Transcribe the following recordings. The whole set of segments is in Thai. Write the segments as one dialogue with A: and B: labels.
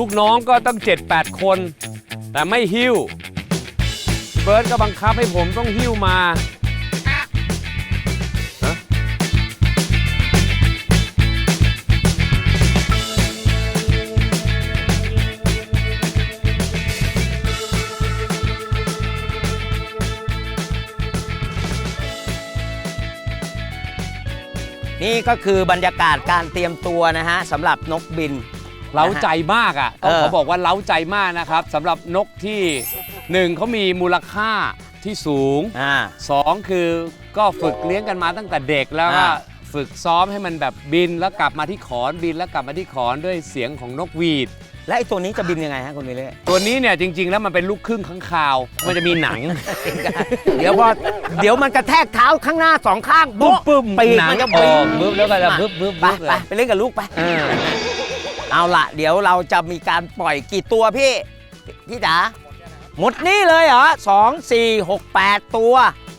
A: ลูกน้องก็ต้อง7-8 คน แต่ไม่หิ้วเบิร์ตก็บังคับให้ผมต้องหิ้วมา
B: นี่ก็คือบรรยากาศการเตรียมตัวนะฮะสำหรับนกบิน
A: เล้าใจมากอ่ะต้องขอ
B: เออ
A: บอกว่าเล้าใจมากนะครับสำหรับนกที่หนึ่งเขามีมูลค่าที่สูงสองคือก็ฝึกเลี้ยงกันมาตั้งแต่เด็กแล้วก็ฝึกซ้อมให้มันแบบบินแล้วกลับมาที่ขอนบินแล้วกลับมาที่ขอนด้วยเสียงของนกหวีด
B: และไอ้ตัวนี้จะบินยังไงฮะคุณวิเล่
A: ตัวนี้เนี่ยจริง ๆ แล้วมันเป็นลูกครึ่งข้างคาว มันจะมีหนัง
B: เดี๋ยวมันกระแทกเท้าข้างหน้าสองข้าง
A: ปุ๊บปุ๊บ
B: ปีก
A: หนัง
B: มันจะ
A: อ
B: บิ
A: อก
B: น
A: ปุ๊บแล้วก็จะปุ๊บปุ๊บ
B: ไป
A: ปุ๊บ
B: ไปเล่นกับลูกไป
A: เออ
B: เอาล่ะ เดี๋ยวเราจะมีการปล่อยกี่ตัวพี่จ๋าหมดนี่เลยเหรอ2 4 6 8 ตัว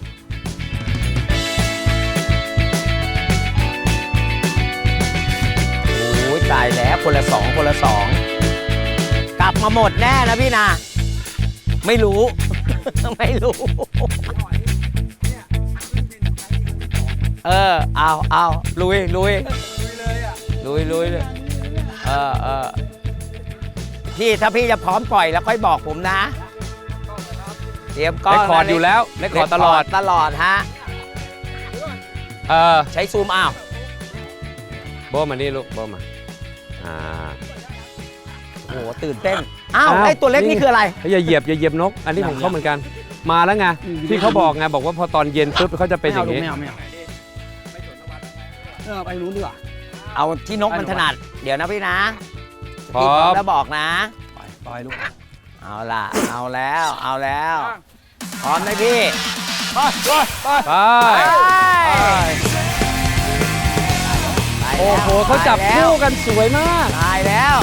B: โอ้ยตายแล้วคนละ2คนละ2กลับมาหมดแน่นะพี่นะไม่รู้ ไม่รู้เอาลุยเลยพี่ถ้าพี่จะพร้อมปล่อยแล้วค่อยบอกผมนะเตรียมก้อน
A: เลคคอร์ดอยู่แล้วเลคคอร์ดตลอด
B: ฮะ ใช้ซูมอ้าว
A: โบมานี่ลูกโบมา
B: โอ้โหตื่นเต้นอ้าวไอ้ตัวเล็กนี่คืออะไร
A: อย่าเหยียบนก อันนี้ของเขาเหมือนกันมาแล้วไงที่เขาบอกไงบอกว่าพอตอนเย็นปุ๊บเขาจะเป็นอย่างนี้
C: ไม่เอาไปรู้ดีกว่า
B: เอาที่นกมันถนัดเดี๋ยวนะพี่นะ
A: พร้อม
B: พี่พร้อมแล้วบอกนะ
C: ปล่อยลูก
B: เอาล่ะเอาแล้วพร้อมไหมพี่
A: ไป โอ้โหเขาจับคู่กันสวยมาก
B: ตายแล้ว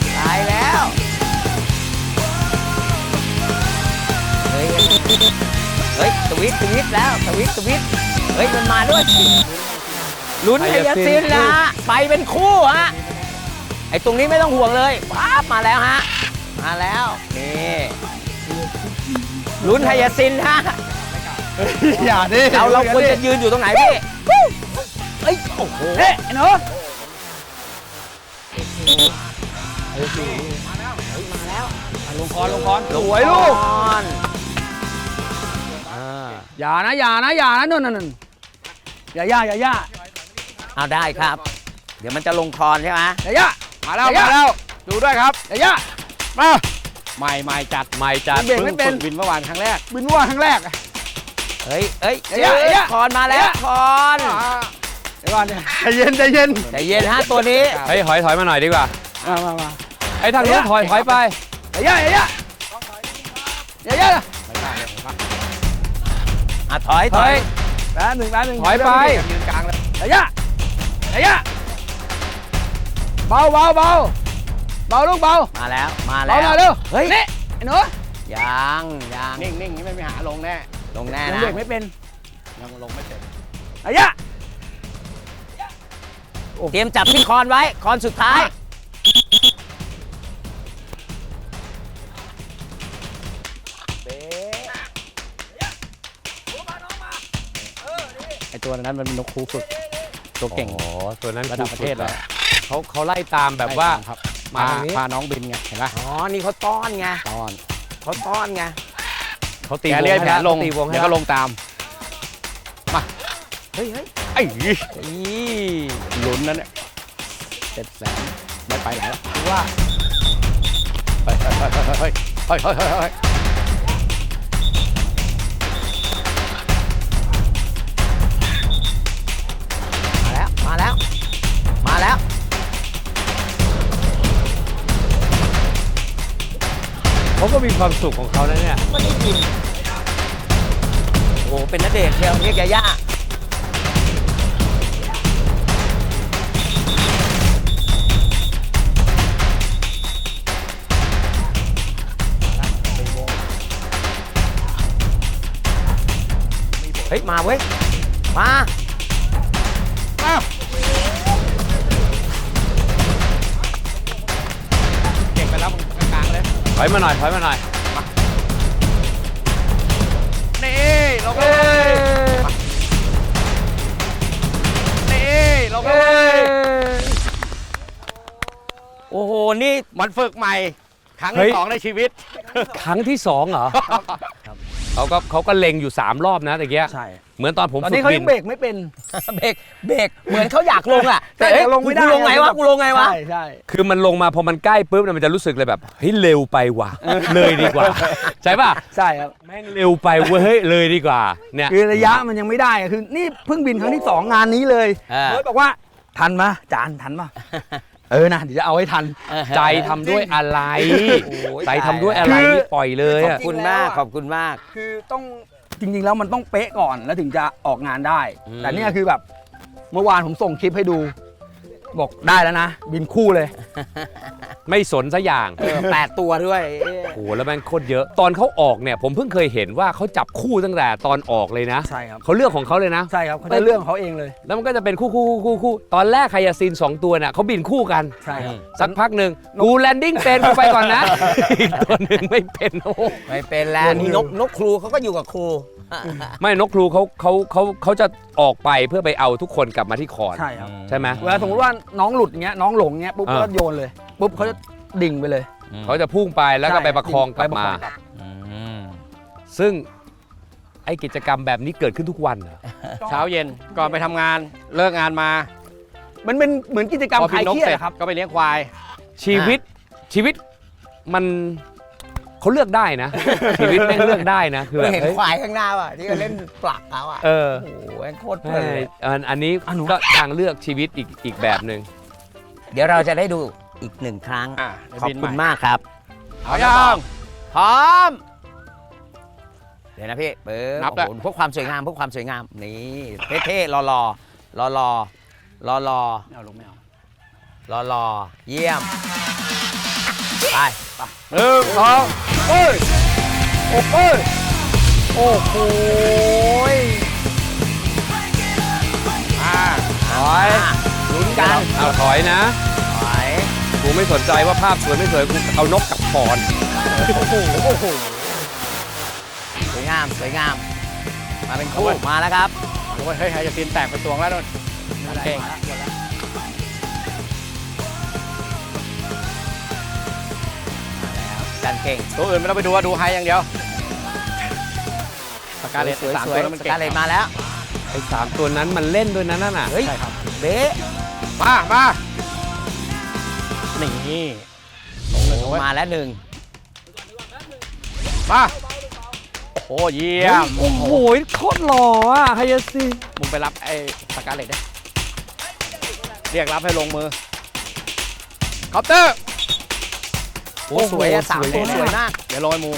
B: เฮ้ยสวิตแล้วสวิตเฮ้ยมันมาด้วยลุ้นไฮยาซินนะฮะไปเป็นคู่ฮะไอ้ตรงนี้ไม่ต้องห่วงเลยปั๊บมาแล้วฮะมาแล้วนี่ลุ้นไฮยาซินฮะ
C: อย่าดิ
B: เราควรจะยืนอยู่ตรงไหนพี่เฮ้ยโอ้โห
C: เฮ้ยไอ้หนู
A: ลงคอนสวยลูก
C: อย่านะนู่นอย่า
B: เอาได้ครับ เดี๋ยวมันจะลงคอนใช่ไหม
C: อย่ามาแล้วดูด้วยครับอย่ามาใหม่จัด
A: เบิ่งไม่เป็น
C: บินเมื่อวานครั้งแรกบินเมื่อวานครั้งแรก
B: เฮ้ย
C: อย่า
B: คอนมาแล้วคอน
C: เดี๋ยวก่อนใจเย็น
B: ใจเย็นฮะตัวนี้
A: เฮ้ยถอยมาหน่อยดีกว่า
C: มา
A: ไอ้ทางนู้นถอยไป
C: อย่า
B: ถอย
C: แป๊บหนึ่ง
A: ถอยไป
C: ยืนกลางเลยอย่าเบาลูกเบา
B: มาแล้ว
C: เบาหน่อยเร็ว
B: เฮ้ย
C: นี่ไอ้หนู
B: ยัง
C: นิ่งนี่ไม่หาลงแน่
B: ลงแน่
C: ยัง
B: นะ
C: เบรกไม่เป็นยังลงไม่เป็นอย่า
B: เตรียมจับที่คอนไว้คอนสุดท้าย
C: ไอ้ตัวนั้นมันเป็นนกคูฝึกตัวเก่ง
A: อ๋อตัวนั้น
C: ระดับประเทศเลย
A: เขาไล่ตามแบบว่า
C: ครับ
A: มาทางนี้
C: พาน้องบินไงเห็นปะ
B: อ๋อ นี่เขาต้อนไง
C: ตอน
A: เขาตี
C: แก
A: วง
C: เรียกแผลลง
A: ตีวงให้
C: เดี๋ยวก็ลงตาม
B: เฮ้ย
C: ไอ้
B: อี
C: ลุ้นนั่นเนี่ย700,000ไม่ไปไหนแล้วว่าเฮ้ย
B: มาแล้ว
A: เขาก็มีความสุขของเขานะเนี่ย
B: ไม่ได้ยินโอ้โหเป็นณเดชน์เชียวเรียกย่าเฮ้ยมาเว้ยมา
C: เก่งไปแล้วมึง
A: ถอยมาหน่อยถอยมาหน่อย
C: นี่ลงเลยนี่ลงเลย
B: โอ้โหนี่
C: มันฝึกใหม่ ครั้ง
A: เฮ้
C: ที่
A: ย
C: 2ในชีวิต
A: ครั้งที่2เหรอเขาก็เล็งอยู่3รอบนะตะเกีย
D: ใช่
A: เหมือนตอนผม
D: ตอน
A: ฝึ
D: นี้
A: ก
D: เขา
A: บิ
D: ยั
A: น
D: งเบรกไม่เป็น
B: เบรกเหมือนเขาอยากลงอ่ะ
D: แต่
B: เอ๊ะ
D: ลงไม่ได้
B: กูลงไงวะกูลงไงวะ
D: ใช่ใช่
A: คือมันลงมาพอมันใกล้ปุ๊บเนี่ยมันจะรู้สึกเลยแบบเฮ้ยเร็วไปว่ะเลยดีกว่าใช่ป่ะ
D: ใช่ครับ
A: แม่งเร็วไปเว้ยเฮ้ยเลยดีกว่าเนี่ย
D: คือระยะมันยังไม่ได้อะคือนี่เพิ่งบินครั้งที่ 2 งานนี้เลย
B: อ่า
D: เบิร์ดบอกว่าทันมะจานทันมะนะเดี๋ยวจะเอาให้ทัน
A: ใจทำด้วยอะไร
B: โอ้ย
A: ใจทำด้วยอะไร
D: คือ
A: นี่ปล่อยเลย
B: ขอ
A: อะ
B: บคุณมากขอบคุณมาก
D: คือต้องจริงๆแล้วมันต้องเป๊ะก่อนแล้วถึงจะออกงานได้
A: อืม
D: แต่เนี่ยคือแบบเมื่อวานผมส่งคลิปให้ดู บอกได้แล้วนะ บินคู่เลย
A: ไม่สนซะอย่าง
B: 8 ตัวด้วย
A: โอ้โหแล้วแม่งโคตรเยอะตอนเขาออกเนี่ยผมเพิ่งเคยเห็นว่าเขาจับคู่ตั้งแต่ตอนออกเลยนะ
D: ใช่ครับ
A: เขาเลือกของเขาเลยนะ
D: ใช่ครับเขาจะเรื่องของเขาเองเลย
A: แล้วมันก็จะเป็นคู่ตอนแรกไคยาซิน2ตัวน่ะเขาบินคู่กัน
D: ใช่ครับ
A: สักพักหนึ่งกูแลนดิ้งเป็นกูไปก่อนนะ อีกตัวหนึ่งไม่เป็นโอ้โห
B: ไม่เป็นแล้วนี่นกครูเขาก็อยู่กับครู
A: ไม่นกครูเขาจะออกไปเพื่อไปเอาทุกคนกลับมาที่คอน
D: ใช่ครับ
A: ใช่ไหม
D: เวลาสมมติว่าน้องหลุดอย่างเงี้ยน้องหลงเงี้ยปุ๊บ
A: อ่า
D: ก็โยนเลยปุ๊บเขาจะดิ่งไปเลย
A: เขาจะพุ่งไปแล้วก็ไปประคองกลับมา ซึ่งไอกิจกรรมแบบนี้เกิดขึ้นทุกวันเหรอ
C: เช้าเย็นก่อนไปทำงานเลิกงานมา
D: มันเป็นเหมือนกิจกรรม
C: พอ
D: ค
C: บิ
D: ลาน ย
C: นก
D: เครียด
C: เสร็จ
D: อะครับ
C: ก็ไปเลี้ยงควาย
A: ชีวิตมันเขาเลือกได้นะ ชีวิตแม่งเลือกได้นะคือแบ
B: ไม่
A: บ
B: เห็น
A: เฮ้ย
B: ควายข้างหน้าป่ะที่เขาเล่นปลักเขาอ่ะ
A: เออ
B: โอ้โหแม่งโคตรเพ
A: ใช่
B: ลินเลย
A: อันนี้ก็ทางเลือกชีวิตอีกแบบหนึ่ง
B: เดี๋ยวเราจะได้ดูอีก1 ครั้ง ขอบคุณมากครับ
C: เอายัง
B: พร้อม เดี๋ยวนะพี่เปิด
C: นับด้วย
B: โอ้โหพวกความสวยงามพวกความสวยงามนี่เท่ๆรอ
D: ไม่เอาลงไม่เอา
B: เยี่ยมไป
C: 1 2
D: โอ้โห
B: ถอยลุ้นกัน
A: เอาถอยนะ
B: ถอย
A: กูไม่สนใจว่าภาพสวยไม่สวยกูเอานกกับคอน
B: สวยงามมาเป็นคู่มาแล้วครับ
C: โอ้ยเฮ้ยจะตีนแตกเป็นตวงแล้วนู่นเก่ง
B: จันเก่ง
C: ตัวอื่นไม่ต้องไปดูว่าดูไฮอย่างเดียวสกาเลต
B: สวย
C: 3
B: ๆ
C: ตัวแล้วมัน
B: ส
C: เก่ง
B: กาเลตมาแล้ว
A: ไอ้3ตัวนั้นมันเล่นด้วยนะนั่นน่ะ
B: เฮ้ย
C: ใช่ครับ
B: เบ๊ะ
C: มานี่
B: มาแล้ว1
C: มาโอ้เยี่ยม
A: โอ้โหโคตรหล่ออ่ะไฮยาซิน
C: มึงไปรับไอ้สกาเลตได้เรียกรับให้ลงมือเคาน์เตอร์
B: โอ้สวยอะ3 ตัวสวยมาก
C: เดี๋ยวลอยมู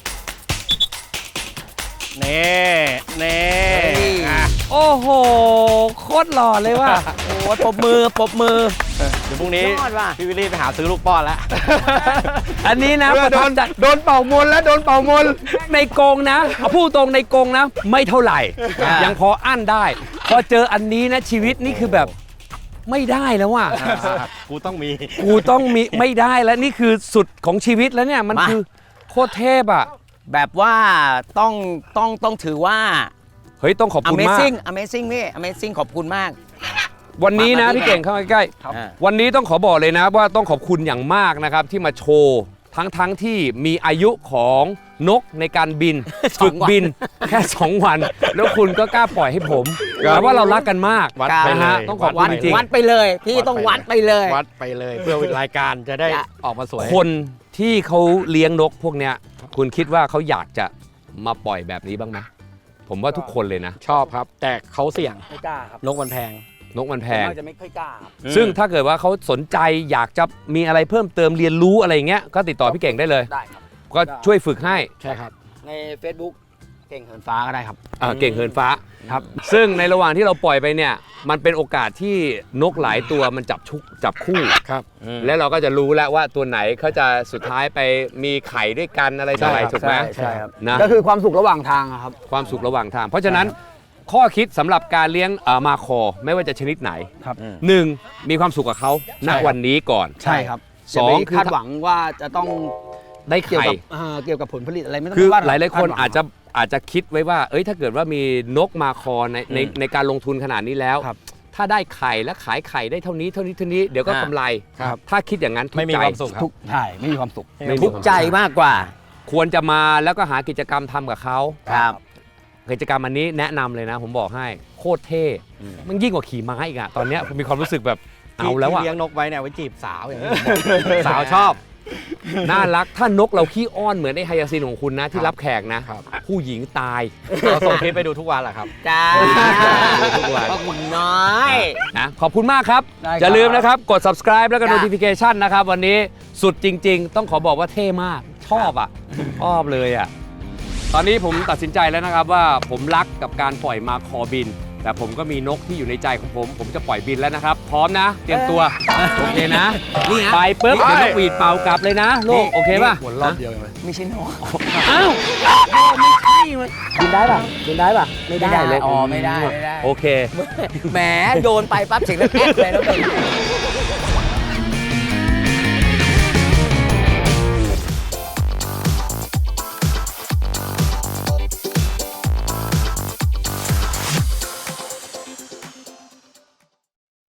C: เน่อ่ะ
A: โอ้โหโคตรหล่อเลยว่ะ
B: โอ้ยปรบมือ
C: เดี๋ยวพรุ่งนี้
B: ยอดว่ะ
C: พี่วิลลี่ไปหาซื้อลูกป้อนแล้ว
A: อันนี้นะ
C: โดน
A: จัด
C: โดนเป่ามนแล้วโดนเป่ามน
A: ในกรงนะเอาพูดตรงในกรงนะ ไม่เท่าไหร่ ยังพออั้นได้ พอเจออันนี้นะชีวิตนี่คือแบบไม่ได้แล้วว่ะ
C: กูต้องมี
A: กูต้องมีไม่ได้แล้วนี่คือสุดของชีวิตแล้วเนี่ยมัน
B: มา
A: คือโคตรเทพอ่ะ
B: แบบว่าต้องถือว่า
A: เฮ้ยต้องขอบคุณมาก
B: Amazing พี่ Amazing ขอบคุณมาก
A: วันนี้นะ
B: มา
A: พี่เก่งเข้ามาใกล้
B: อ่า
A: วันนี้ต้องขอบอกเลยนะว่าต้องขอบคุณอย่างมากนะครับที่มาโชว์ทั้งที่มีอายุของนกในการบิน ฝึกบินแค่ 2 วัน แล้วคุณก็กล้าปล่อยให้ผมแต่ว่าเรารักกันมาก
C: วัด
B: ครับ
C: ไป
A: นะ
C: เล
A: ฮะ
C: ย
A: ต้องขอบคุณจริง
B: วัดไปเลย พี่ต้องวัดไปเลย
C: วัดไปเลยเพื่อรายการจะได้
B: อย่า
C: ออกมาสวย
A: คนที่เขาเลี้ยงนกพวกเนี้ยคุณคิดว่าเขาอยากจะมาปล่อยแบบนี้บ้างไหมผมว่าทุกคนเลยนะ
C: ชอบครับ แต่เขาเสี่ยง
D: ไม่กล้าครับ
C: นกมันแพง
A: นกมันแพง
D: ส่วนมากจะไม่ค่อยกล้าครับ
A: ซึ่งถ้าเกิดว่าเขาสนใจอยากจะมีอะไรเพิ่มเติมเรียนรู้อะไรเงี้ยก็ติดต่อพี่เก่งได้เลย
D: ได้ครับ
A: ก็ช่วยฝึกให้
C: ใช่ครับ
D: ใน Facebook เก่งเหินฟ้าก็ได้ครับ
A: เก่งเหินฟ้าครับซึ่งในระหว่างที่เราปล่อยไปเนี่ยมันเป็นโอกาสที่นกหลายตัวมันจับคู่
C: ครับ
A: แล้วเราก็จะรู้แล้วว่าตัวไหนเขาจะสุดท้ายไปมีไข่ด้วยกันอะไรต่ออะไร
C: ใช่ครับ
A: ถูกไหม
D: ใช่ครับ
A: นะ
D: ก็คือความสุขระหว่างทางอะครับ
A: ความสุขระหว่างทาง เพราะฉะนั้นข้อคิดสำหรับการเลี้ยงมาคอไม่ว่าจะชนิดไหน
D: ครับ
A: หนึ่งมีความสุขกับเขาณ
C: ใช่ครับ
A: วันนี้ก่อน
D: ใช่ครับ
A: สอง
D: ย่าไป
A: คือ
D: คาดหวังว่าจะต้อง
A: ได้
D: เกี่ยว
A: ไข่
D: กับเกี่ยวกับผลผลิตอะไรไม่ต้อง
A: คือ
D: ว่า
A: หลายๆคน
D: ดวัง
A: อาจจะคิดไว้ว่า เอ้ยถ้าเกิดว่ามีนกมาคอในการลงทุนขนาดนี้แล้ว
D: ครับ
A: ถ้าได้ไข่และขายไข่ได้เท่านี้เดี๋ยวก็กำไร
C: ครับ
A: ถ้าคิดอย่างนั้นทุก
C: ไม่มี
A: ใจ
C: ความสุขครับ
D: ทุกใช่ไม่มีความสุข
A: ไม่มี
B: ทุกใจมากกว่า
A: ควรจะมาแล้วก็หากิจกรรมทำกับเขา
B: ครับ
A: กิจกรรมอันนี้แนะนำเลยนะ ผมบอกให้โคตรเท่มันยิ่งกว่าขี่ม้าอีกอะตอนเนี้ยผมมีความรู้สึกแบบเอาแล้วอะ
C: ที่เลี้ยงนกไว้เนี่ยไว้จีบสาวอย่างนี้ผมบอก
A: สาวชอบ น่ารักถ้านกเราขี้อ้อนเหมือนไอ้ไฮยาซินของคุณนะที่รับแขกนะ
C: ครับ
A: ผู้หญิงตาย
C: เราส่งคลิปไปดูทุกวันแหละครับ
B: จ้า
A: ทุกวัน
B: พ่อคุณน้อย
A: นะขอบคุณมากครับ
D: ได้ครับ
A: อย่าลืมนะครับกด subscribe แล้วก็
B: จ้ะ
A: notification นะครับ วันนี้สุดจริง ๆ ต้องขอบอกว่าเท่มากชอบอ่ะชอบเลยอ่ะตอนนี้ผมตัดสินใจแล้วนะครับว่าผมรักกับการปล่อยมาคอบิน แต่ผมก็มีนกที่อยู่ในใจของผมจะปล่อยบินแล้วนะครับ พร้อมนะ เตรียมตัวโอเคนะ
B: นี่ฮะ
A: ไปปุ๊บเดี๋ยวนกหวีดเป่ากลับเลยนะลูกโอเคป่ะ
C: หัวรอบเดียวเองเลย
D: ไม่ใช่นก
A: อ้าวไม่ใช่มันบินได้ป่ะบินได้ป่ะไม่ได้เลย
B: อ๋อไม่ได้
A: โอเค
B: แหมโดนไปปั๊บเสียงแล้วแอ๊กเลยแล้วเป็น